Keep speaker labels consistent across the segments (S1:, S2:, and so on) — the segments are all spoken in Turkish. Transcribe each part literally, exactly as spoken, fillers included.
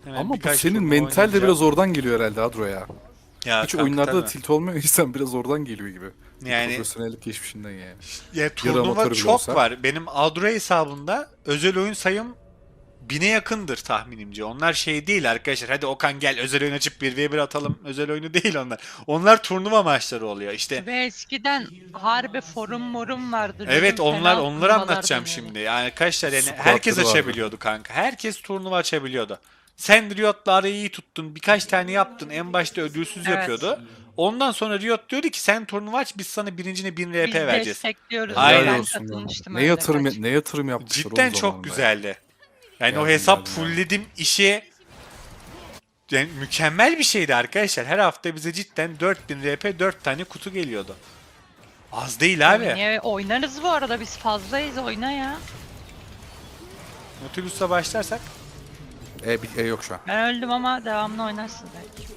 S1: Hemen
S2: Ama bu
S1: birkaç
S2: senin
S1: turnuva
S2: mental de
S1: oynayacağım.
S2: biraz oradan geliyor herhalde Adro ya.
S1: Ya
S2: Hiç
S1: kanka
S2: oyunlarda da
S1: tabii.
S2: tilt olmuyor insan biraz oradan geliyor gibi.
S1: Yani
S2: Profesyonellik geçmişinden yani.
S1: ya
S2: Yarı
S1: turnuva
S2: amatör bile
S1: çok
S2: olsa.
S1: var. Benim Adro hesabımda özel oyun sayım bine yakındır tahminimce. Onlar şey değil arkadaşlar. Hadi Okan gel özel oyun açıp bir ve bir atalım. Özel oyunu değil onlar. Onlar turnuva maçları oluyor. İşte
S3: Ve eskiden harbi forum morum vardı.
S1: evet,
S3: LoL'ün
S1: onlar
S3: fena
S1: onları
S3: turnuvalar
S1: anlatacağım
S3: dönüyordu.
S1: şimdi. Yani arkadaşlar yani herkes
S2: Squatları vardı.
S1: açabiliyordu kanka. Herkes turnuva açabiliyordu. Sen Riot'la arayı iyi tuttun. Birkaç tane yaptın. En başta ödülsüz
S3: Evet.
S1: yapıyordu. Ondan sonra Riot diyordu ki sen turnuva aç biz sana birincine bin R P
S3: Biz
S1: vereceğiz.
S3: destekliyoruz diye
S2: Helal
S1: Aynen.
S3: ben
S2: olsun lan.
S3: katılmıştım
S2: Ne
S3: öyle
S2: yatırım
S3: kaç.
S2: ne yatırım yapmışlar oğlum
S1: Cidden çok
S2: zamanında ya.
S1: güzeldi. Yani o
S2: Geldim
S1: hesap
S2: geldim ya.
S1: fullledim işe yani mükemmel bir şeydi arkadaşlar. Her hafta bize cidden dört bin R P dört tane kutu geliyordu. Az değil abi.
S3: Oynaya oynarız bu arada biz fazlayız oyna ya.
S1: Nautilus'la başlarsak
S2: E, bir- e yok şu an.
S3: Ben öldüm ama devamlı oynarsın belki.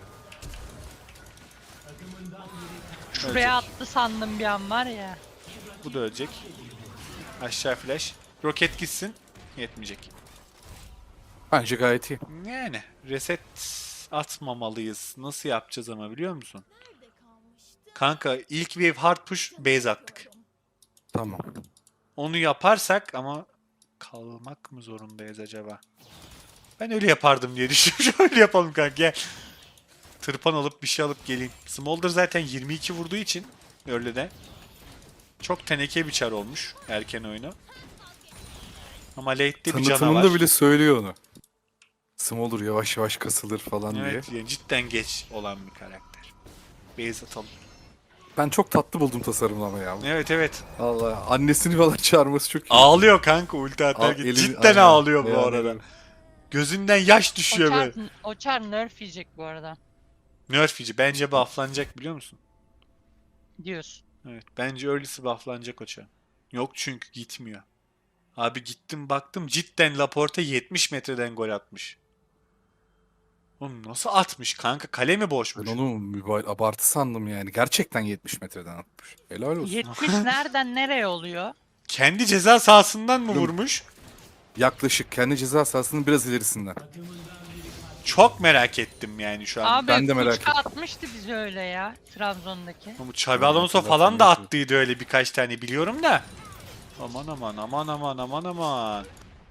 S3: Şuraya attı sandım bir an var ya.
S1: bu da ölecek. Aşağı flash. Roket gitsin. Yetmeyecek.
S2: Bence gayet iyi.
S1: Yani reset atmamalıyız. Nasıl yapacağız ama biliyor musun? Kanka ilk wave hard push base attık.
S2: Tamam.
S1: Onu yaparsak ama kalmak mı zorundayız acaba? Ben öyle yapardım diye düşünüyorum. Öyle yapalım kanka gel. Tırpan alıp bir şey alıp geleyim. Smolder zaten yirmi iki vurduğu için öyle de. Çok teneke bir çar olmuş erken oyunu. Ama late'de bir canavar.
S2: Tanıtımında bile söylüyor onu. Smolder yavaş yavaş kasılır falan diye.
S1: Evet yani cidden geç olan bir karakter. Base atalım.
S2: Ben çok tatlı buldum tasarımlama ya.
S1: Evet evet.
S2: Allah annesini falan çağırması çok iyi.
S1: Ağlıyor kanka ulti
S2: Al,
S1: atarken.
S2: elini-
S1: Cidden
S2: aynen.
S1: ağlıyor bu
S2: Yani
S1: arada.
S2: böyle.
S1: Gözünden yaş
S3: O
S1: düşüyor
S3: çar,
S1: böyle.
S3: o çar nerf yiyecek bu arada
S1: Nerf'ici bence bufflanacak biliyor musun?
S3: diyorsun.
S1: Evet bence early'si bufflanacak o çar. Yok çünkü gitmiyor. Abi gittim baktım cidden Laporte yetmiş metreden gol atmış. Oğlum nasıl atmış kanka? Kale mi
S2: Ben
S1: boşmuş?
S2: onu mübal abartı sandım yani. Gerçekten yetmiş metreden atmış. Helal olsun.
S3: yetmiş nereden nereye oluyor?
S1: Kendi ceza sahasından mı
S2: Oğlum.
S1: vurmuş?
S2: Yaklaşık kendi ceza sahasının biraz ilerisinden.
S1: Çok merak ettim yani şu an.
S3: Abi
S2: ben de merak
S3: Kuçka
S2: ettim.
S3: atmıştı bizi öyle ya Trabzon'daki.
S1: Bu Xabi Alonso
S2: hatırladım,
S1: falan da
S2: hatırladım.
S1: attıydı öyle birkaç tane biliyorum da. Aman aman aman aman aman aman.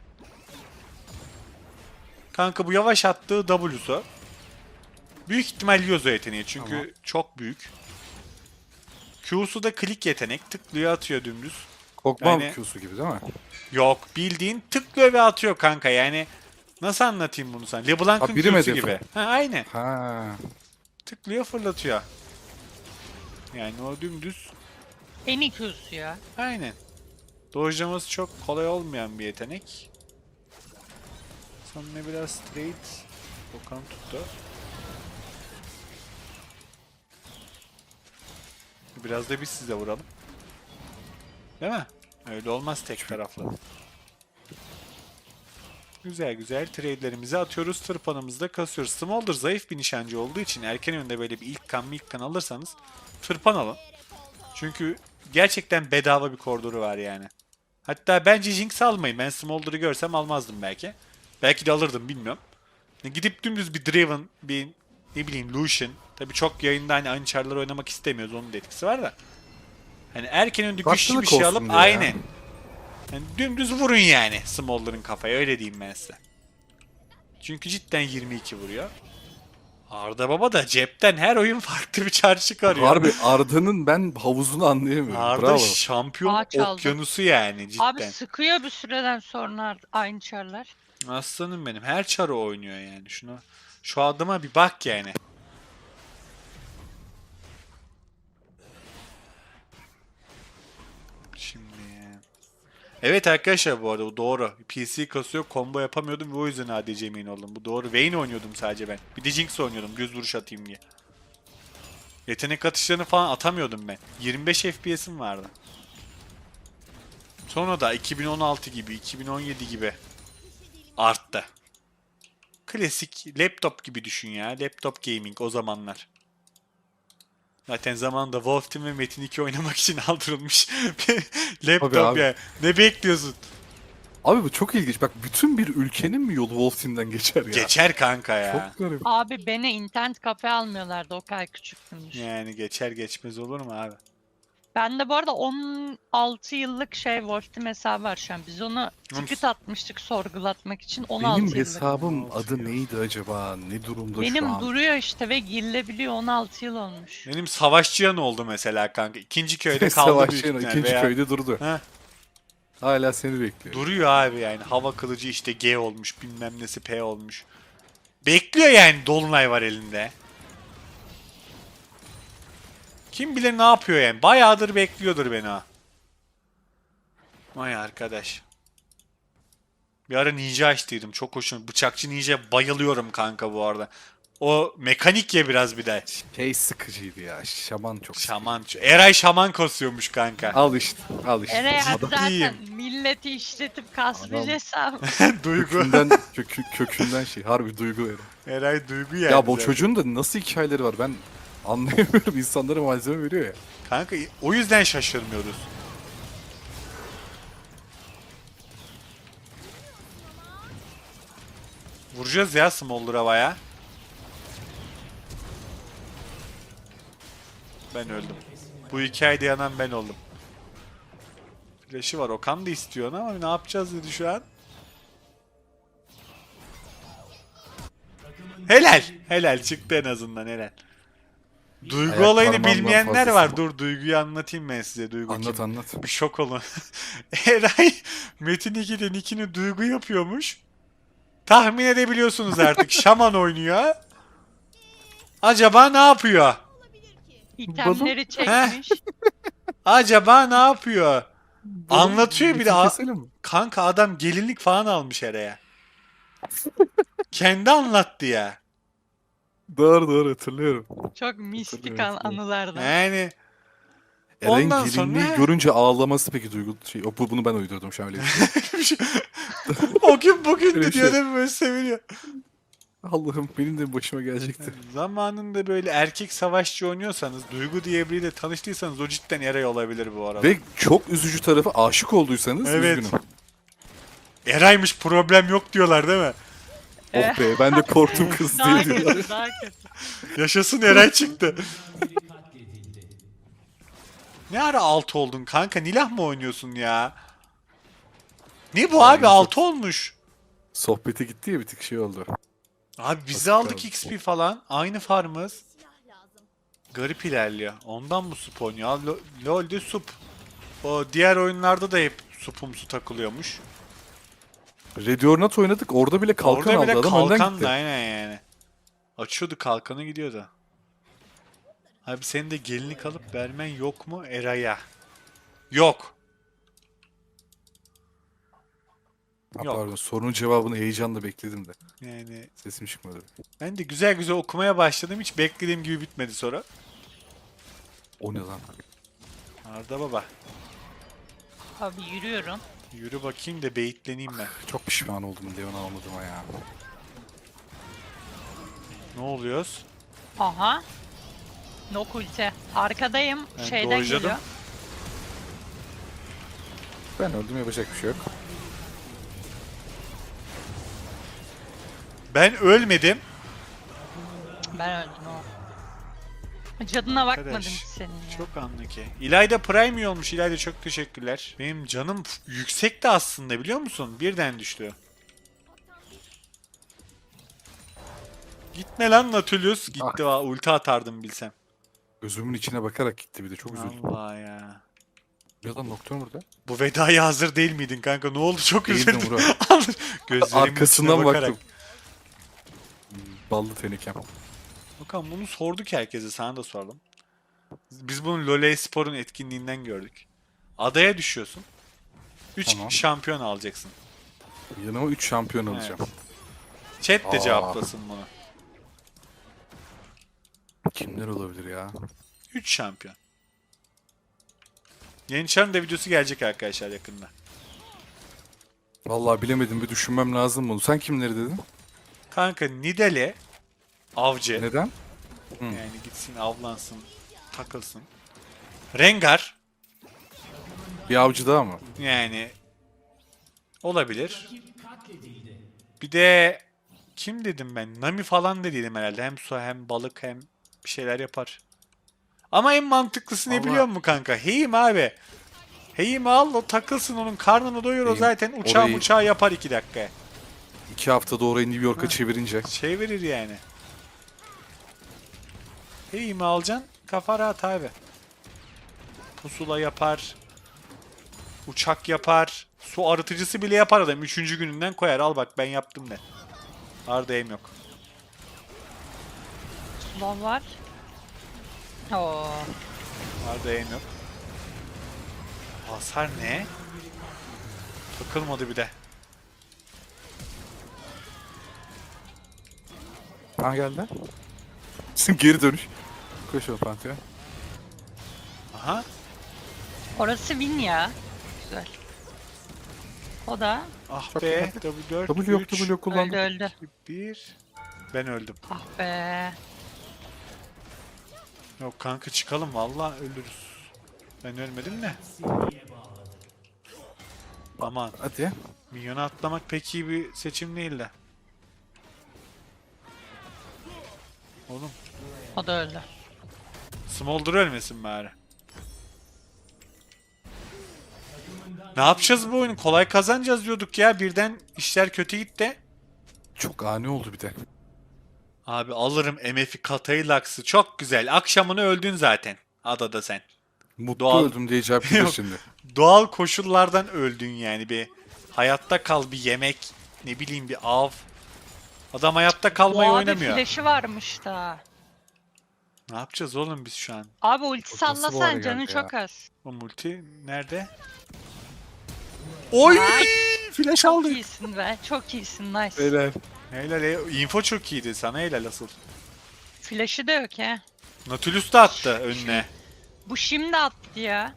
S1: Kanka bu yavaş attığı W'su. Büyük ihtimal Yozo yeteneği çünkü
S2: Tamam.
S1: çok büyük. Q'su da klik yetenek. Tıklıyor atıyor dümdüz.
S2: Kokma
S1: Yani-
S2: Q'su gibi değil mi?
S1: Yok bildiğin tıklıyor ve atıyor kanka yani. Nasıl anlatayım bunu sana? LeBlanc'ın
S2: Ha, birim
S1: Q'su
S2: hedefi.
S1: gibi. Ha aynı.
S2: Ha.
S1: Tıklıyor fırlatıyor. Yani o dümdüz.
S3: En iyi Q'su ya.
S1: Aynen. Dojlaması çok kolay olmayan bir yetenek. Sonra biraz straight. Okan tuttu. Biraz da biz size vuralım. Değil mi? Öyle olmaz tek taraflı. Güzel güzel trade'lerimizi atıyoruz. Tırpanımızı da kasıyoruz. Smolder zayıf bir nişancı olduğu için erken önde böyle bir ilk kan ilk kan alırsanız tırpan alın. Çünkü gerçekten bedava bir koridoru var yani. Hatta bence Jinx almayın. Ben Smolder'ı görsem almazdım belki. Belki de alırdım bilmiyorum. Gidip dümdüz bir Draven, bir ne bileyim Lucian. Tabii çok yayında hani aynı çarları oynamak istemiyoruz. Onun da etkisi var da. Hani erken önde güçlü
S2: Farklılık
S1: bir şey
S2: olsun
S1: alıp
S2: diye ya.
S1: aynen. Yani dümdüz vurun yani Smolder'ın kafaya öyle diyeyim ben size. Çünkü cidden yirmi iki vuruyor. Arda Baba da cepten her oyun farklı bir çar çıkarıyor.
S2: Harbi Arda'nın ben havuzunu anlayamıyorum.
S1: Arda
S2: Bravo.
S1: şampiyon
S3: Ağaç aldı.
S1: okyanusu yani cidden.
S3: Abi sıkıyor bir süreden sonra aynı çarlar.
S1: Aslanım benim her çarı oynuyor yani şunu. Şu adıma bir bak yani. Şimdi. Evet arkadaşlar bu arada bu doğru. P C kasıyor, combo yapamıyordum ve o yüzden A D C main oldum. Bu doğru. Vayne oynuyordum sadece ben. Bir de Jinx oynuyordum düz vuruş atayım diye. Yetenek atışlarını falan atamıyordum ben. yirmi beş F P S'im vardı. Sonra da iki bin on altı gibi, iki bin on yedi gibi arttı. Klasik laptop gibi düşün ya. Laptop gaming o zamanlar. Zaten zamanında Wolf Team ve Metin iki oynamak için aldırılmış bir laptop
S2: abi.
S1: ya. Ne bekliyorsun?
S2: Abi bu çok ilginç. Bak bütün bir ülkenin mi yolu Wolf Team'den geçer ya?
S1: Geçer kanka ya.
S2: Çok garip.
S3: Abi beni internet kafe almıyorlardı, o kadar küçüktümdür.
S1: Yani geçer geçmez olur mu abi?
S3: Ben de bu arada on altı yıllık şey Wolf Team hesabı var şu an. Biz onu ticket atmıştık sorgulatmak için. on altı
S2: Benim
S3: yıllık.
S2: hesabım
S1: on altı
S2: adı
S1: yıl.
S2: neydi acaba? Ne durumda şu
S3: Benim
S2: an?
S3: duruyor işte ve girilebiliyor, on altı yıl olmuş.
S1: Benim savaşçıyan oldu mesela kanka. İkinci köyde kaldı büyük
S2: Savaşçı'nın
S1: ihtimal
S2: ikinci
S1: veya-
S2: köyde durdu.
S1: Heh,
S2: Hala seni bekliyor.
S1: duruyor abi yani. Hava kılıcı işte G olmuş, bilmem nesi P olmuş. Bekliyor yani, dolunay var elinde. Kim bilir ne yapıyor yani. Bayağıdır bekliyordur beni ha. Vay arkadaş. Bir ara ninja açtıydım. Çok hoşum. Bıçakçı ninja bayılıyorum kanka bu arada. O mekanik ya biraz bir de.
S2: Şey sıkıcıydı ya. Şaman çok sıkıcı.
S1: Şaman. Eray şaman kasıyormuş kanka.
S2: Al işte. Al işte.
S3: Eray
S2: Adam
S3: zaten
S1: iyiyim.
S3: milleti işletip kasmış
S2: Adam-
S3: hesabı.
S1: Duygu.
S2: kökünden, kökü, kökünden şey. Harbi duygu verin.
S1: Eray duygu yani.
S2: Ya bu
S1: zaten.
S2: çocuğun da nasıl hikayeleri var ben anlayamıyorum. İnsanlara malzeme veriyor ya.
S1: Kanka o yüzden şaşırmıyoruz. Vuracağız ya Smolder'a baya. Ben öldüm. Bu hikayede yanan ben oldum. Flash'ı var. Okan da istiyor ama ne yapacağız dedi şu an. Helal. Helal çıktı en azından helal. Duygu
S2: Ayak
S1: olayını
S2: parmağımdan
S1: bilmeyenler
S2: fazlası
S1: var.
S2: bu.
S1: Dur Duygu'yu anlatayım ben size. Duygu
S2: Anlat
S1: kim?
S2: anlat.
S1: Bir şok olun. Eray Metin ikide nickini Duygu yapıyormuş. Tahmin edebiliyorsunuz artık. Şaman oynuyor. Acaba ne yapıyor?
S3: İtemleri çekmiş.
S1: Acaba ne yapıyor? Anlatıyor bir de.
S2: Metin
S1: a-
S2: keselim mi?
S1: Kanka adam gelinlik falan almış Eray'a. Kendi anlattı ya.
S2: Doğru doğru hatırlıyorum.
S3: Çok mistik
S2: Hatırlıyorum,
S3: an- anılardan.
S1: Yani
S2: Eren
S1: Ondan
S2: gelinliği
S1: sonra-
S2: görünce ağlaması peki duygu şey. O, bu- bunu ben uydurdum şu an öyle bir şey.
S1: o gün bugün
S2: Öyle
S1: diyor
S2: şey.
S1: değil mi? Böyle seviniyor.
S2: Allah'ım benim de başıma gelecekti.
S1: Zamanında böyle erkek savaşçı oynuyorsanız, Duygu diye biriyle tanıştıysanız o cidden Eray olabilir bu arada.
S2: Ve çok üzücü tarafı aşık olduysanız
S1: Evet.
S2: üzgünüm.
S1: Eray'mış, problem yok diyorlar değil mi?
S2: Oh be ben de korktum kız
S3: Daha
S2: diye diyorlar.
S3: kötü, daha kötü.
S1: Yaşasın Eray çıktı. Ne ara altı oldun kanka? Nilah mı oynuyorsun ya? Ne bu abi?
S2: çok-
S1: altı olmuş.
S2: Sohbete gitti ya bir tık şey oldu.
S1: Abi biz
S2: Basit
S1: de aldık
S2: kaldı.
S1: X P falan. Aynı farmız. Garip ilerliyor. Ondan mı sup oynuyor? Al, Lo- LoL'de sup. O diğer oyunlarda da hep supumsu takılıyormuş.
S2: Red or Not oynadık orada bile kalkan
S1: Orada bile
S2: aldı adam önden
S1: kalkan
S2: gitti.
S1: da aynen yani. Açıyordu kalkanı gidiyordu. Abi senin de gelinlik alıp vermen yok mu Eray'a? Yok.
S2: Ha,
S1: Yok.
S2: pardon sorunun cevabını heyecanla bekledim de.
S1: Yani
S2: Sesim çıkmadı.
S1: ben de güzel güzel okumaya başladım. Hiç beklediğim gibi bitmedi sonra.
S2: O ne lan?
S1: Arda baba.
S3: Abi yürüyorum.
S1: Yürü bakayım da beyitleneyim ben.
S2: Çok pişman oldum Leon almadığıma ya.
S1: Ne oluyoruz?
S3: Aha. Nok ulti. Arkadayım.
S1: Ben
S3: Şeyden
S1: dojladım.
S3: geliyor.
S2: Ben öldüm yapacak bir şey yok.
S1: Ben ölmedim.
S3: Ben öldüm o. Cadına bakmadım
S1: Arkadaş,
S3: hiç senin ya.
S1: Çok anlı ki. İlayda Prime olmuş. İlayda çok teşekkürler. Benim canım f- yüksekti aslında biliyor musun? Birden düştü. Gitme lan Nautilus. Gitti va ulti atardım bilsem.
S2: Gözümün içine bakarak gitti bir de çok üzüldüm.
S1: Allah ya.
S2: Ya lan Nocturne burada.
S1: Bu vedaya hazır değil miydin kanka? Ne oldu? Çok
S2: Değildim
S1: üzüldüm.
S2: Murat.
S1: Gözlerimin
S2: Arkasından
S1: içine bakarak.
S2: baktım. Ballı tenekem.
S1: Bakalım bunu sorduk herkese. Sana da sordum. Biz bunu LoL Spor'un etkinliğinden gördük. Adaya düşüyorsun. üç
S2: Tamam.
S1: şampiyon alacaksın.
S2: Yanıma üç şampiyon alacağım.
S1: Chat de
S2: Aa.
S1: cevaplasın bunu.
S2: Kimler olabilir ya?
S1: üç şampiyon. Yeni Çar'ın da videosu gelecek arkadaşlar yakında.
S2: Vallahi bilemedim bir düşünmem lazım bunu. Sen kimleri dedin?
S1: Kanka Nidale avcı.
S2: Neden?
S1: Yani gitsin avlansın, takılsın. Rengar
S2: Bir avcı daha mı?
S1: yani Olabilir. Bir de kim dedim ben? Nami falan dediydim herhalde. Hem su hem balık hem bir şeyler yapar. Ama en mantıklısı ne
S2: Vallahi-
S1: biliyor musun kanka? Heyim abi. Heyim al, o takılsın, onun karnını doyur, o
S2: Heyim,
S1: zaten uçağı
S2: orayı-
S1: uçağı yapar iki dakika.
S2: İki haftada orayı New York'a çevirince.
S1: Çevirir yani. Heyimi alacaksın, kafa rahat abi. Pusula yapar. Uçak yapar. Su arıtıcısı bile yapar adam. Üçüncü gününden koyar. Al bak ben yaptım de. Arda aim yok.
S3: Slow var. Oo.
S1: Arda aim yok. Hasar ne? Takılmadı bir de.
S2: Ha geldi. Bizim geri dönüş. Koşalım Pantheon.
S1: Aha.
S3: Orası win ya. Güzel. O da
S1: Ah
S2: Çok
S1: be.
S2: iyi.
S1: W dört,
S2: W yok
S1: üç,
S2: W yok
S3: öldü
S2: kullandım.
S3: öldü.
S1: bir. Ben öldüm.
S3: Ah be.
S1: Yok kanka çıkalım, vallahi ölürüz. Ben ölmedim de. Aman.
S2: Hadi.
S1: Minyona atlamak pek iyi bir seçim değil de. Oğlum.
S3: O da öldü.
S1: Smolder ölmesin bari. Ne yapacağız bu oyunu? Kolay kazanacağız diyorduk ya. Birden işler kötü gitti.
S2: Çok ani oldu bir de.
S1: Abi alırım M F'i, Katayı, Lux'ı. Çok güzel. Akşamını öldün zaten. Adada sen.
S2: Mutlu
S1: Doğal-
S2: öldüm diye cevap gelir
S1: Yok.
S2: şimdi.
S1: Doğal koşullardan öldün yani. Bir hayatta kal, bir yemek, ne bileyim bir av. Adam hayatta kalmayı
S3: Bu abi
S1: oynamıyor.
S3: flash'ı varmış da.
S1: Ne yapacağız oğlum biz şu an?
S3: Abi ulti
S2: Çok nasıl bu hale
S3: sallasan canı
S2: geldi ya?
S3: çok az.
S1: O multi nerede? Oy!
S3: Ay,
S1: Flash
S3: Çok
S1: aldık.
S3: iyisin be. Çok iyisin. Nice.
S2: Beyler.
S1: Helal, e- info çok iyiydi. Sana helal asıl.
S3: Flash'ı da yok he.
S1: Nautilus da attı önüne.
S3: Bu şimdi attı ya.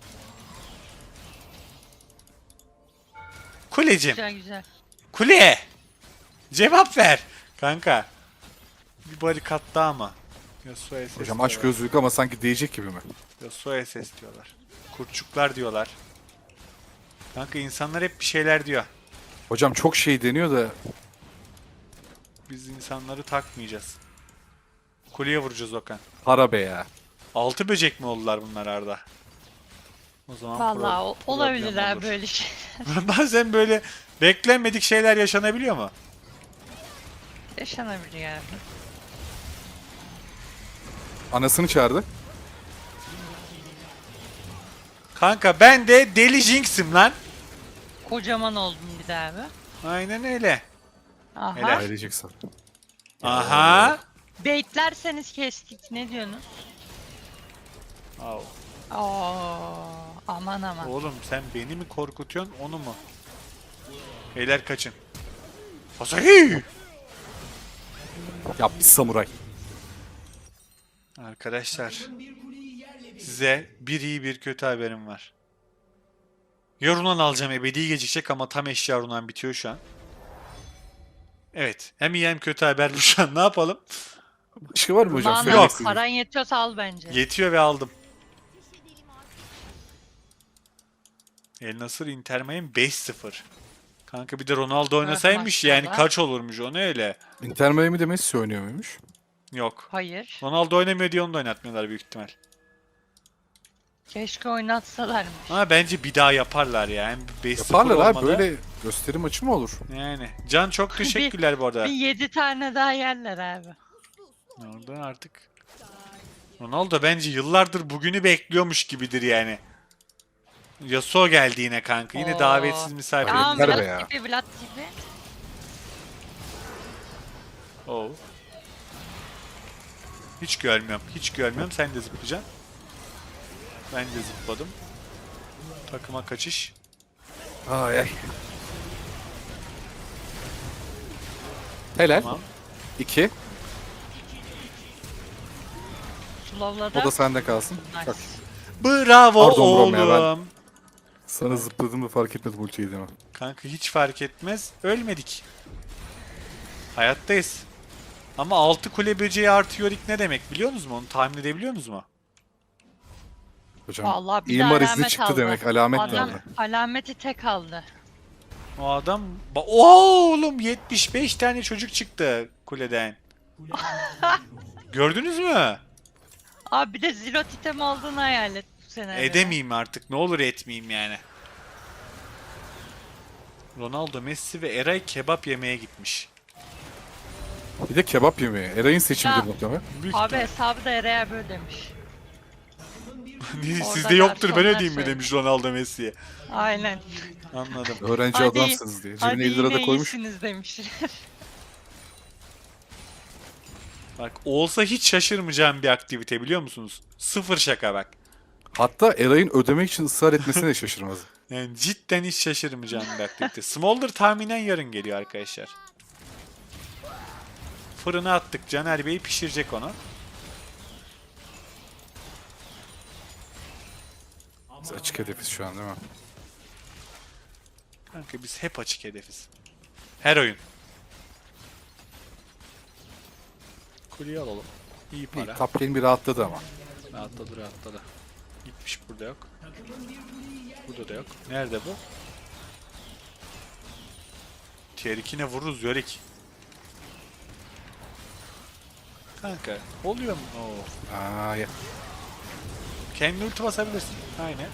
S1: Kulecim.
S3: Güzel güzel.
S1: Kule! Cevap ver. Kanka. Bir barikat daha mı? Yasuo S S
S2: Hocam
S1: diyorlar.
S2: aç gözlük ama sanki değecek gibi mi?
S1: Yasuo S S diyorlar. Kurtçuklar diyorlar. Kanka insanlar hep bir şeyler diyor.
S2: Hocam çok şey deniyor da
S1: Biz insanları takmayacağız. Kuleye vuracağız Okan.
S2: para be ya.
S1: Altı böcek mi oldular bunlar Arda? O zaman
S3: Vallahi
S1: pro-
S3: o-
S1: problem
S3: olabilir ha
S1: olur.
S3: böyle şey.
S1: Bazen böyle beklenmedik şeyler yaşanabiliyor mu?
S3: Yaşanabilir yani.
S2: Anasını çağırdı.
S1: Kanka ben de Deli Jinx'im lan.
S3: Kocaman oldum bir daha abi.
S1: Aynen öyle.
S3: Aha.
S1: Helal.
S2: Aileceksin.
S1: Aha.
S3: Baitlerseniz kestik. Ne diyorsunuz?
S1: Au.
S3: Oo, aman aman.
S1: Oğlum sen beni mi korkutuyorsun onu mu? Beyler kaçın. Asahi!
S2: Ya bir samuray.
S1: Arkadaşlar size bir iyi bir kötü haberim var. Ya Runan alacağım, ebedi gecikecek ama tam eşya Runan bitiyor şu an. Evet, hem iyi hem kötü haber bu şu an, ne yapalım?
S2: Başka var mı hocam?
S3: Lan
S2: Söylemek
S1: Yok.
S2: istediğiniz?
S3: paran yetiyorsa al bence.
S1: Yetiyor ve aldım. El Nasır Inter Miami beş sıfır. Kanka bir de Ronaldo oynasaymış yani
S3: maşallah.
S1: kaç olurmuş o ne öyle?
S2: Inter Miami'de Messi oynuyor muymuş?
S1: Yok.
S3: Hayır.
S1: Ronaldo oynamıyor diye onu da oynatmıyorlar büyük ihtimal.
S3: Keşke oynatsalarmış.
S1: Ama bence bir daha yaparlar ya. Hem beş sıfır
S2: Yaparlar abi,
S1: olmadı.
S2: böyle gösteri maçı mı olur?
S1: Yani. Can çok teşekkürler bu arada.
S3: Bir yedi tane daha yerler abi.
S1: Oradan artık. Ronaldo bence yıllardır bugünü bekliyormuş gibidir yani. Yasuo geldi yine kanka. Yine
S3: Oo.
S1: davetsiz misafir.
S2: Tamam.
S3: Tamam
S2: yeter be
S3: Vlad
S2: ya.
S3: gibi Vlad gibi.
S1: Oo. Hiç görmüyorum. Hiç görmüyorum. Sen de zıplayacaksın. Ben de zıpladım. Takıma kaçış.
S2: Ay ay. Helal.
S1: Tamam.
S2: İki.
S3: Slow'la
S2: O da sende kalsın.
S3: Nice.
S2: Bak.
S1: Bravo
S2: Pardon
S1: oğlum.
S2: Brom ya, ben- Sana zıpladığımda fark etmedim ulti yediğimi.
S1: Kanka hiç fark etmez. Ölmedik. Hayattayız. Ama altı kule böceği artı yorik ne demek biliyor musunuz mu? Onu tahmin edebiliyor musunuz mu?
S2: Hocam
S3: Vallahi bir de
S2: imar izni
S3: alamet
S2: çıktı
S3: aldı.
S2: demek, alamet
S3: Adam
S2: aldı.
S3: alameti tek aldı.
S1: O adam... Ba- Oo oğlum yetmiş beş tane çocuk çıktı kuleden. Gördünüz mü?
S3: Abi bir de zilot item olduğunu hayal et bu senaryoda.
S1: Edemeyeyim artık. Ne olur etmeyeyim yani. Ronaldo, Messi ve Eray kebap yemeye gitmiş.
S2: Bir de kebap yemeği. Eray'ın seçimidir
S3: Ya.
S2: muhtemelen.
S1: Büyük
S3: Abi
S1: ihtimal.
S3: hesabı da Ereğe böyle demiş.
S1: Sizde
S3: Orada
S1: yoktur ben
S3: garsonlar
S1: ödeyeyim mi
S3: söyledi.
S1: demiş Ronaldo Messi'ye.
S3: Aynen.
S1: Anladım.
S2: Öğrenci
S3: Hadi-
S2: adamsınız diye. Cebine
S3: Hadi
S2: elli lira
S3: yine
S2: da koymuş.
S3: iyisiniz demiş.
S1: Bak olsa hiç şaşırmayacağım bir aktivite biliyor musunuz? Sıfır şaka bak.
S2: Hatta Eray'ın ödemek için ısrar etmesine de şaşırmaz.
S1: Yani cidden hiç şaşırmayacağım bir aktivite. Smolder tahminen yarın geliyor arkadaşlar. Fırına attık. Caner Bey pişirecek onu.
S2: Biz açık hedefiz şu an değil mi?
S1: Kanka biz hep açık hedefiz. Her oyun. Kuleyi alalım. İyi
S2: İyi,
S1: para.
S2: top lane bir rahatladı ama.
S1: Rahatladı rahatladı. Gitmiş burada yok. Burada da yok. Nerede bu? Tier ikine vururuz Yorick. Kanka oluyor mu? Oo.
S2: Aa, ya.
S1: Kendi ulti basabilirsin. Aynen.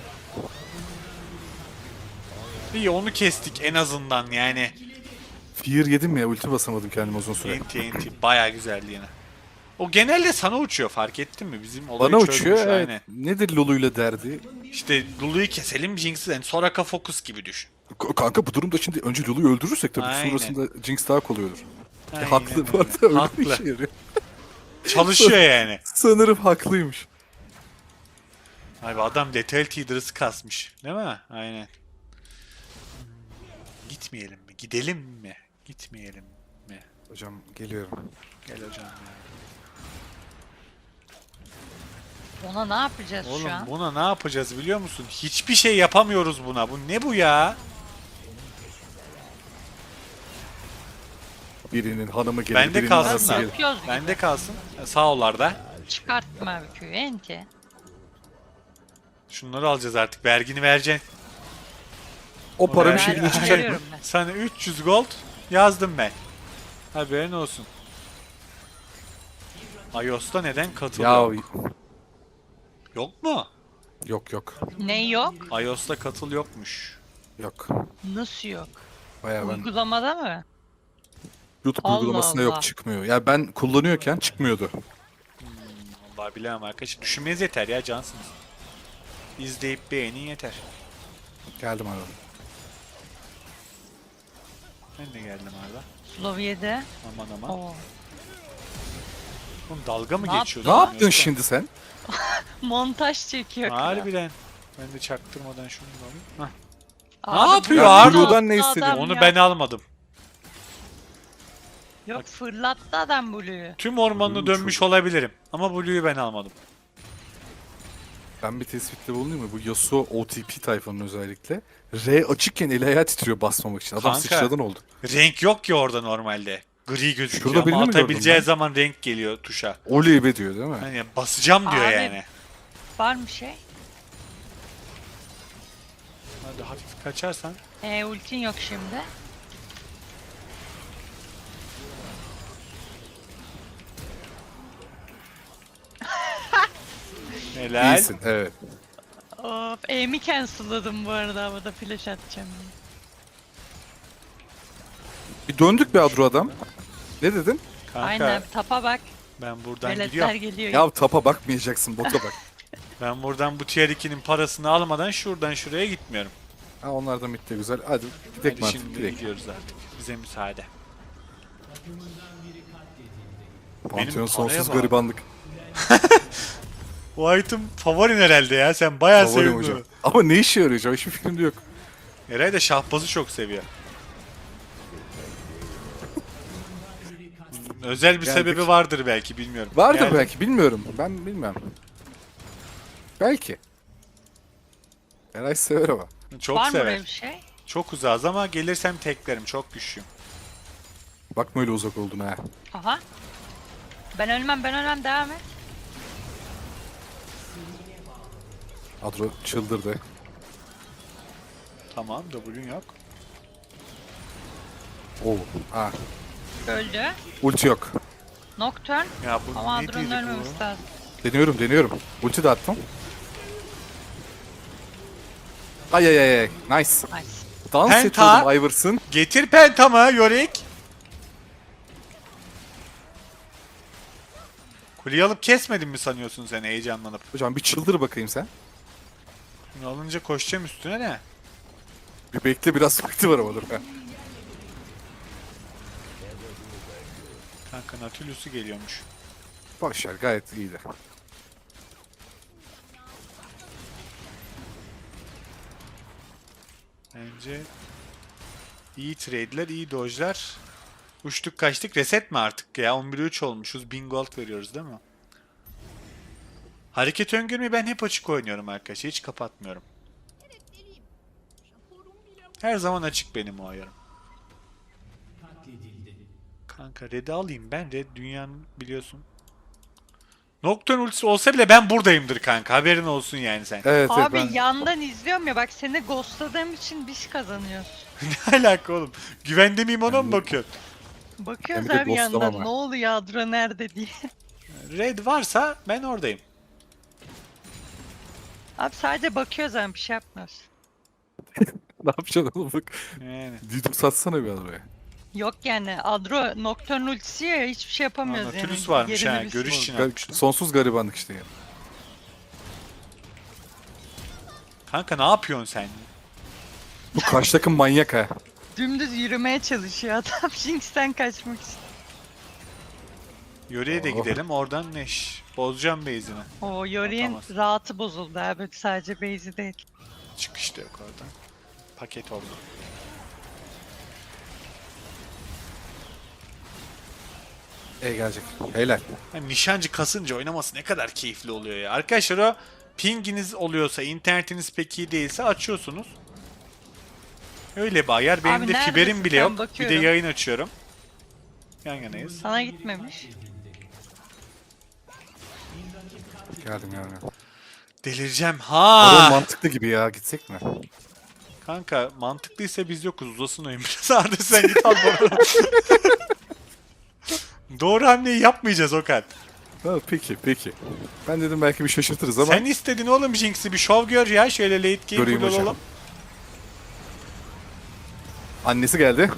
S1: İyi onu kestik en azından yani.
S2: Fear yedim ya, ulti basamadım kendime uzun süre.
S1: Enti enti bayağı güzeldi yine. O genelde sana uçuyor fark ettin mi? Bizim olayı
S2: Bana
S1: çözmüş,
S2: uçuyor, evet.
S1: aynen.
S2: Nedir Lulu'yla derdi?
S1: İşte Lulu'yu keselim Jinx'i yani Soraka Focus gibi düşün.
S2: K- Kanka bu durumda şimdi önce Lulu'yu öldürürsek tabii
S1: Aynen.
S2: sonrasında Jinx daha kolay olur. E,
S1: Aynen
S2: haklı bu
S1: öyle.
S2: arada, öyle
S1: Haklı.
S2: bir işe yarıyor.
S1: Çalışıyor yani.
S2: Sanırım haklıymış.
S1: Abi adam Lethality Dress'ı kasmış. Değil mi? Aynen. Hmm, Gitmeyelim mi? Gidelim mi? Gitmeyelim mi?
S2: Hocam geliyorum.
S1: Gel hocam ya.
S3: Ona ne yapacağız
S1: Oğlum
S3: şu an?
S1: buna ne yapacağız biliyor musun? Hiçbir şey yapamıyoruz buna. Bu ne bu ya?
S2: Birinin hanımı gelir,
S1: Bende
S2: birinin
S1: kalsın
S2: anası
S1: lan.
S2: gelir.
S3: Yapıyoruz gibi.
S1: Bende kalsın. Sağ ollarda.
S3: Çıkartma abi köyü enti.
S1: Şunları alacağız artık. Vergini vereceksin.
S2: O para bir
S1: Ben-
S2: şekilde
S3: Ben
S2: çıkacak mı?
S3: veriyorum ben.
S1: Sana üç yüz gold yazdım ben. Haberin olsun. iOS'ta neden katıl
S2: Ya
S1: yok? Yok mu?
S2: yok yok.
S3: Ne yok?
S1: iOS'ta katıl yokmuş.
S2: Yok.
S3: Nasıl yok?
S2: Baya ben
S3: Uygulamada mı?
S2: YouTube
S3: Allah
S2: uygulamasında
S3: Allah.
S2: yok, çıkmıyor. Ya ben kullanıyorken çıkmıyordu.
S1: Vallahi bilemem arkadaşlar. Düşünmeniz yeter ya cansınız. İzleyip beğenin yeter.
S2: Geldim abi.
S1: Ben de geldim Arda.
S3: Slow yedi.
S1: Aman aman.
S3: Oo.
S1: Oğlum dalga mı
S3: Ne
S1: geçiyorsun?
S2: Ne yaptın
S1: yoksa?
S2: şimdi sen?
S3: Montaj çekiyor. kral.
S1: Harbiden. Ben de çaktırmadan şunu da alayım. Hah.
S3: Abi,
S1: Ne yapıyor
S3: bu
S1: Arda?
S2: Blue'dan ne
S3: adam
S2: istedin?
S1: Onu
S3: ya.
S1: ben almadım.
S3: Yok fırlattı adam Blue'yu.
S1: Tüm ormanını
S2: Blue
S1: dönmüş
S2: çok-
S1: olabilirim. Ama Blue'yu ben almadım.
S2: Ben bir tespitte bulunayım mı? Bu Yasuo O T P tayfanın özellikle. R açıkken eli ayağı titriyor basmamak için. Adam
S1: Kanka.
S2: sıçradan oldu.
S1: Renk yok ki orada normalde. Gri gözüküyor
S2: Şurada birini
S1: ama
S2: mi gördüm
S1: atabileceği
S2: ben?
S1: zaman renk geliyor tuşa.
S2: Oley be diyor değil mi?
S1: Hani basacağım diyor
S3: Abi.
S1: yani.
S3: Var mı şey?
S1: Hadi hafif kaçarsan.
S3: E ultin yok şimdi.
S1: Helal.
S2: İyisin, evet.
S3: Of aim'i cancelladım bu arada havada flash atacağım diye.
S2: Bir döndük be Adro adam. Ne dedin?
S1: Kanka
S3: Aynen tapa bak.
S1: ben buradan
S3: Veletler
S1: gidiyorum.
S3: geliyor.
S2: Ya tapa bakmayacaksın, bota bak.
S1: Ben buradan bu tier ikinin parasını almadan şuradan şuraya gitmiyorum.
S2: Ha, onlar da mitte güzel. Hadi gidelim
S1: Hadi
S2: artık,
S1: şimdi
S2: gidelim.
S1: gidiyoruz artık. Bize müsaade.
S2: Pantheon
S1: paraya
S2: sonsuz
S1: bak.
S2: garibanlık.
S1: Bu item favorin herhalde ya. Sen bayağı
S2: Favorim
S1: sevdin
S2: hocam.
S1: onu.
S2: Ama ne işe yarayacak? Hiçbir fikrim de yok.
S1: Eray da şahbazı çok seviyor. Özel bir
S2: Geldik.
S1: sebebi vardır belki bilmiyorum.
S2: Vardır
S1: Geldim.
S2: belki, bilmiyorum. Ben bilmem. Belki. Eray sever ama.
S1: Çok
S3: Var mı
S1: sever.
S3: öyle bir şey?
S1: Çok uzağız ama gelirsem teklerim. Çok güçlüyüm.
S2: Bakma öyle uzak olduğuna ha.
S3: Aha. Ben ölmem ben ölmem devam et.
S2: Adro çıldırdı.
S1: Tamam W'un yok.
S2: Oo. Ha.
S3: Öldü.
S2: Ulti yok.
S3: Nocturne.
S1: Ya bu
S3: Ama
S1: ne
S3: Adro'nun
S1: dedi
S3: ölmemesi
S1: bu?
S3: lazım.
S2: Deniyorum deniyorum. Ulti de attım. Ay ay ay ay. Nice.
S3: Nice.
S2: Dans
S1: Penta.
S2: ediyordum Iverson.
S1: Getir pentamı Yorick. Kuleyi alıp kesmedin mi sanıyorsun sen heyecanlanıp?
S2: Hocam bir çıldır bakayım sen.
S1: Bunu alınca koşacağım üstüne ne?
S2: Bir bekle biraz vakti var ama dur. Ha.
S1: Kanka Nautilus'u geliyormuş.
S2: Boşver gayet iyiydi.
S1: Bence iyi trade'ler, iyi dodge'lar. Uçtuk kaçtık. Reset mi artık ya? on bire üç olmuşuz. bin gold veriyoruz değil mi? Hareket öngörmeyi ben hep açık oynuyorum arkadaşlar. Hiç kapatmıyorum. Her zaman açık benim o ayarım. Kanka red'i alayım ben. Red dünyanın biliyorsun. Nocturne ultisi olsa bile ben buradayımdır kanka. Haberin olsun yani sen.
S2: Evet evet
S3: Abi
S2: ben...
S3: yandan izliyorum ya, bak seni ghostladığım için biz kazanıyoruz.
S1: Ne alaka oğlum? Güvende miyim ona mı bakıyorsun?
S3: Bakıyoruz
S2: Ben bir de
S3: abi
S2: ghostlamam
S3: yandan
S2: ha.
S3: ne oluyor Adro nerede diye.
S1: Red varsa ben oradayım.
S3: Abi sadece bakıyoruz abi, bir şey yapmıyoruz.
S2: Ne yapacaksın oğlum bak.
S1: Yani.
S2: Didim satsana bir adaya.
S3: Yok yani Adro Nocturne ultisi ya, hiçbir şey yapamıyoruz yani.
S1: Nautilus varmış
S3: Yerini
S1: ha.
S3: biz-
S1: Görüş için
S2: Ga-
S1: atmıştım.
S2: Sonsuz garibanlık işte ya.
S1: Kanka ne yapıyorsun sen?
S2: Bu karşı takım manyak ha.
S3: Dümdüz yürümeye çalışıyor adam Jinx'ten kaçmak için.
S1: Yöre'ye de
S2: Oh.
S1: gidelim. Oradan Neş. Bozacağım base'ini.
S3: O Yori'nin
S1: Atamaz.
S3: rahatı bozuldu abi, sadece base'i değil.
S1: Çıkış da yok oradan. Paket oldu.
S2: E gelecek. Helal.
S1: Yani nişancı kasınca oynaması ne kadar keyifli oluyor ya. Arkadaşlar o pinginiz oluyorsa, internetiniz pek iyi değilse açıyorsunuz. Öyle bir ayar. Benim
S3: Abi
S1: de
S3: neredesin
S1: fiberim bile
S3: sen?
S1: yok. Bir de
S3: Bakıyorum.
S1: yayın açıyorum. Yan yanayız.
S3: Sana gitmemiş.
S2: Geldim geldim.
S1: Delireceğim.
S2: Adam
S1: Ha.
S2: mantıklı gibi ya, gitsek mi?
S1: Kanka mantıklıysa biz yokuz. Uzasın oyun biraz. Arda sen git al bana. Doğru hamleyi yapmayacağız Okan.
S2: Ha, peki peki. Ben dedim belki bir şaşırtırız ama
S1: Sen istedin oğlum Jinx'i. Bir şov gör ya. Şöyle late game
S2: Göreyim
S1: full
S2: hocam.
S1: olalım.
S2: annesi geldi.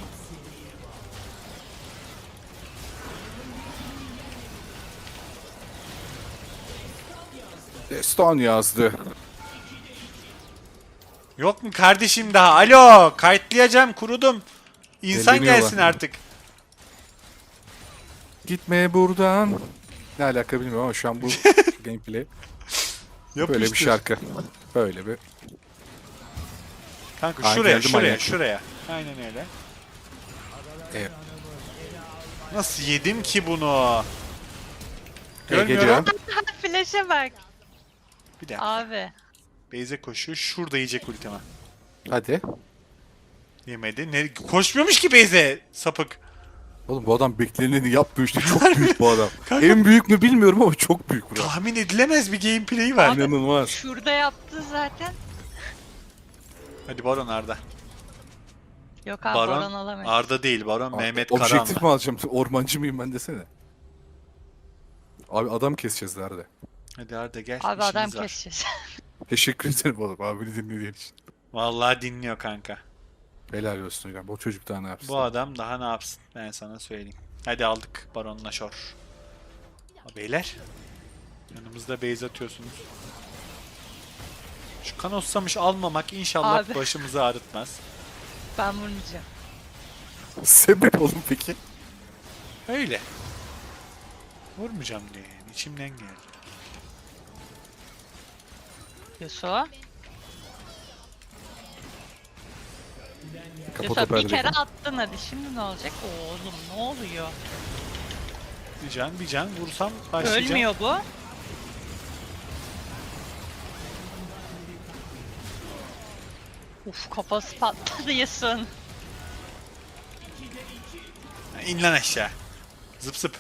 S2: Destan yazdı.
S1: Yok mu kardeşim daha? Alo. Kayıtlayacağım. Kurudum. İnsan
S2: Elleniyorlar.
S1: gelsin artık.
S2: Gitme buradan. Ne alaka bilmiyorum ama şu an bu gameplay
S1: Yapıştır.
S2: böyle bir şarkı. Böyle bir.
S1: Kanka
S2: Aa,
S1: şuraya
S2: geldi
S1: şuraya
S2: manyak.
S1: şuraya. Aynen öyle.
S2: E,
S1: Nasıl yedim ki bunu?
S2: e,
S1: Görmüyorum.
S2: geliyor.
S3: Flash'e bak.
S1: Bir dakika.
S3: Abi.
S1: Beyze koşuyor. Şurada yiyecek ultima.
S2: Hadi.
S1: Yemedi. Ne? Koşmuyormuş ki Beyze. Sapık.
S2: Oğlum bu adam bekleneni yapmıyor işte. Çok büyük bu adam.
S1: Kanka-
S2: En büyük mü bilmiyorum ama çok büyük bu adam.
S1: Tahmin edilemez bir gameplay'i var.
S3: Abi-
S2: İnanılmaz.
S3: Şurada yaptı zaten.
S1: Hadi Baron Arda.
S3: Yok abi
S1: Baron
S3: Baron alamayız.
S1: Arda değil. Baron Mehmet
S2: Objektif
S1: Karahanlı.
S2: mi alacağım? Ormancı mıyım ben desene. Abi adam keseceğiz nerede?
S1: Hadi Arda gel.
S3: Abi adam
S1: işimiz var.
S3: keseceğiz.
S2: Teşekkür ederim oğlum abini dinlediğin için.
S1: Vallahi dinliyor kanka.
S2: Helal olsun hocam. Bu çocuk daha ne yapsın?
S1: Bu adam daha ne yapsın? Ben sana söyleyeyim. Hadi aldık Baron'la Shor. Ha, beyler. Yanımızda base atıyorsunuz. Şu Kanossamış almamak inşallah
S3: Abi.
S1: başımızı ağrıtmaz.
S3: Ben vurmayacağım.
S2: Sebep oğlum peki?
S1: Öyle. Vurmayacağım diye yani. İçimden geldi.
S3: Yasuo.
S2: Kapat
S3: Yasuo
S2: o
S3: bir kere
S2: perdeyi.
S3: attın, hadi şimdi ne olacak? Oğlum ne oluyor?
S1: Bir can bir can vursam başlayacağım.
S3: Ölmüyor bu. Uf, kafası patladı Yasuo'nun.
S1: Ha, İn lan aşağı. Zıp zıp.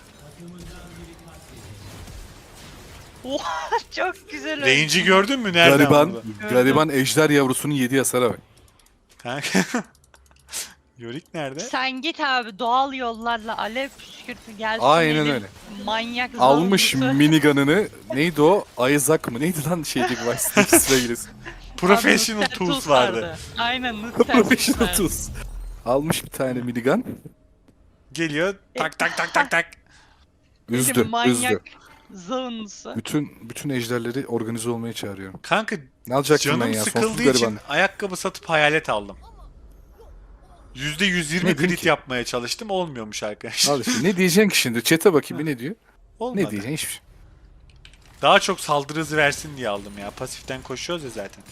S3: Oha, çok güzel öldü.
S1: Range'i gördün mü? Nereden
S2: Gariban,
S1: vurdu?
S2: gariban ejder yavrusunun yediği hasara bak.
S1: Kanka. Yorick nerede?
S3: Sen git abi doğal yollarla alev püskürtü gelsin.
S2: Aynen
S3: elin
S2: öyle.
S3: Manyak
S2: Almış
S3: zombusu.
S2: minigun'ını. Neydi o? Isaac mı? Neydi lan şeydeki Vice'deki sırayırız.
S1: Professional
S3: Abi,
S1: Tools vardı.
S3: Aynen.
S2: Professional Tools. Almış bir tane minigun.
S1: Geliyor tak tak tak tak tak.
S2: Üzdü,
S3: Manyak
S2: üzdü.
S3: zombusu.
S2: Bütün bütün ejderleri organize olmaya çağırıyorum.
S1: Kanka
S2: Ne alacaktım ben
S1: canım
S2: ya?
S1: sıkıldığı
S2: Sonsuz
S1: için
S2: gariban.
S1: ayakkabı satıp hayalet aldım. yüzde yüz yirmi
S2: Ne diyeyim
S1: crit
S2: ki?
S1: yapmaya çalıştım. Olmuyormuş arkadaşlar.
S2: Al işte ne diyeceksin ki şimdi? Chat'e bakayım bir ne diyor?
S1: Olmadı.
S2: Ne diyeceksin? Hiçbir şey.
S1: Daha çok saldırı hızı versin diye aldım ya. Pasiften koşuyoruz ya zaten.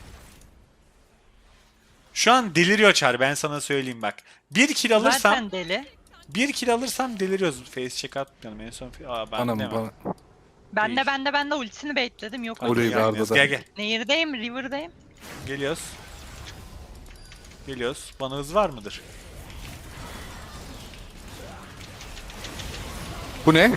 S1: Şu an deliriyor Çar, ben sana söyleyeyim bak. Bir kill alırsam,
S3: Zaten deli.
S1: bir kill alırsam deliriyoruz. Face check atmayalım en son. Aa ben
S2: Anam
S1: demem.
S2: bana.
S3: Ben
S1: Değil.
S3: de ben de ben de ultisini baitledim. Yok
S2: Orayı
S3: öyle.
S2: ver.
S1: Gelmiyoruz.
S2: Arda'da.
S1: Gel gel.
S3: Nehir'deyim, River'dayım.
S1: Geliyoruz. Geliyoruz. Bana hız var mıdır?
S2: Bu ne?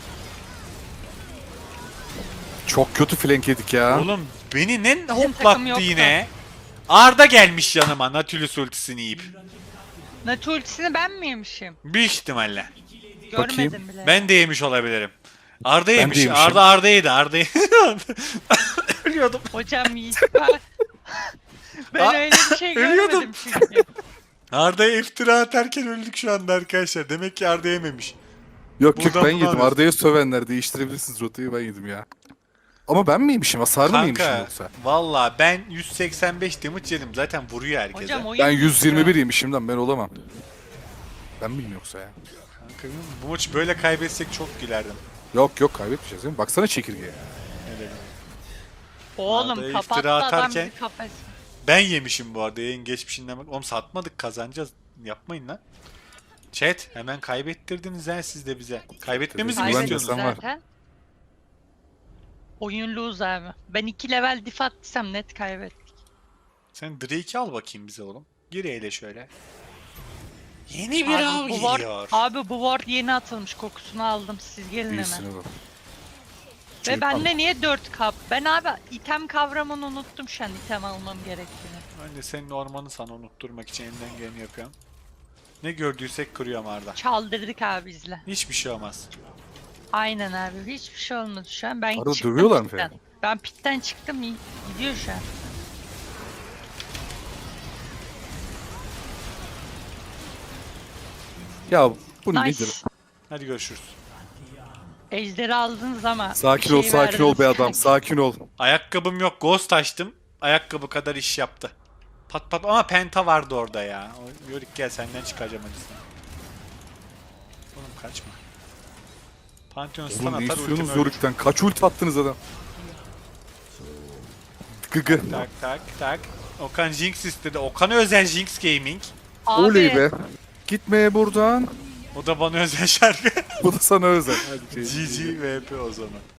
S2: Çok kötü flank yedik ya.
S1: Oğlum beni ne
S3: takım
S1: hoplattı
S3: yoktu.
S1: yine? Arda gelmiş yanıma Nautilus ultisini yiyip.
S3: Natu ultisini ben mi yemişim?
S1: Büyük ihtimalle.
S3: Görmedim
S2: Bakayım.
S3: bile.
S1: Ben de yemiş olabilirim. Arda
S2: de
S1: yemiş.
S2: yemişim.
S1: Arda Arda yedi. Arda yedi. Ölüyordum.
S3: Hocam iyi süper. ben
S1: Aa,
S3: öyle bir şey
S1: ölüyordum.
S3: görmedim çünkü.
S1: Arda'ya iftira atarken öldük şu anda arkadaşlar. Demek ki Arda yememiş.
S2: Yok yok
S1: Buradan
S2: ben
S1: bunu
S2: yedim.
S1: alıyorsun.
S2: Arda'ya sövenler değiştirebilirsiniz rotayı ben yedim ya. Ama ben mi yemişim? Hasarlı mı yemişim
S1: Kanka
S2: yoksa?
S1: valla ben yüz seksen beş damage yedim. Zaten vuruyor herkese.
S3: Hocam oyun
S2: Ben yüz yirmi bir
S3: ya.
S2: yemişim lan ben olamam. Ben miyim yoksa ya?
S1: Kanka, bu maçı böyle kaybetsek çok gülerdim.
S2: Yok yok kaybetmeyeceğiz değil mi? Baksana çekirgeye.
S1: Ne dedim.
S3: Oğlum
S1: Arda'ya
S3: kapattı
S1: iftira
S3: adam
S1: atarken-
S3: bir kafes.
S1: Ben yemişim bu arada yayın geçmişinden bak. Oğlum satmadık, kazanacağız. Yapmayın lan. Chat hemen kaybettirdiniz ha siz de bize. Kaybetmemizi mi
S2: Güven
S3: Kaybettik
S1: istiyorsunuz?
S2: desem var.
S3: zaten. Oyun lose abi. Ben iki level diff attıysam net kaybettik.
S1: Sen Drake'i al bakayım bize oğlum. Gir eyle şöyle. Yeni bir
S3: Abi
S1: av
S3: bu ward,
S1: geliyor.
S3: abi bu ward yeni atılmış, kokusunu aldım, siz gelin
S2: İyisin
S3: hemen.
S2: oğlum.
S3: Ve
S2: Çocuk
S3: bende niye dört kap? Ben abi item kavramını unuttum şu an item almam gerektiğini.
S1: Ben de senin ormanı sana unutturmak için elinden geleni yapıyorum. Ne gördüysek kırıyorum Arda.
S3: Çaldırdık abi izle.
S1: Hiçbir şey olmaz.
S3: Aynen abi hiçbir şey olmadı şu an. Ben
S2: Arada
S3: çıktım
S2: dövüyorlar mı
S3: pitten.
S2: falan?
S3: Ben pitten çıktım iyi- gidiyor şu an.
S2: Ya bu
S3: Nice.
S2: nedir?
S1: Hadi görüşürüz.
S3: Ejderi aldınız ama
S2: Sakin
S3: bir
S2: ol
S3: şey
S2: sakin ol
S3: verdiniz
S2: be adam
S3: kanki.
S2: sakin ol.
S1: Ayakkabım yok. Ghost açtım. Ayakkabı kadar iş yaptı. Pat pat ama penta vardı orada ya. O- Yorick gel senden çıkaracağım acısını. Oğlum kaçma. Pantheon stun
S2: Oğlum ne
S1: atar
S2: istiyorsunuz
S1: ultimi ölür.
S2: Zorik'ten? Kaç ult attınız adam? Gıgı.
S1: Tak tak tak. Okan Jinx istedi. Okan'a özel Jinx Gaming.
S3: Abi,
S2: Oley be. Gitmeye buradan.
S1: O da bana özel şarkı.
S2: Bu da sana özel. Hadi şey.
S1: G G V P o zaman.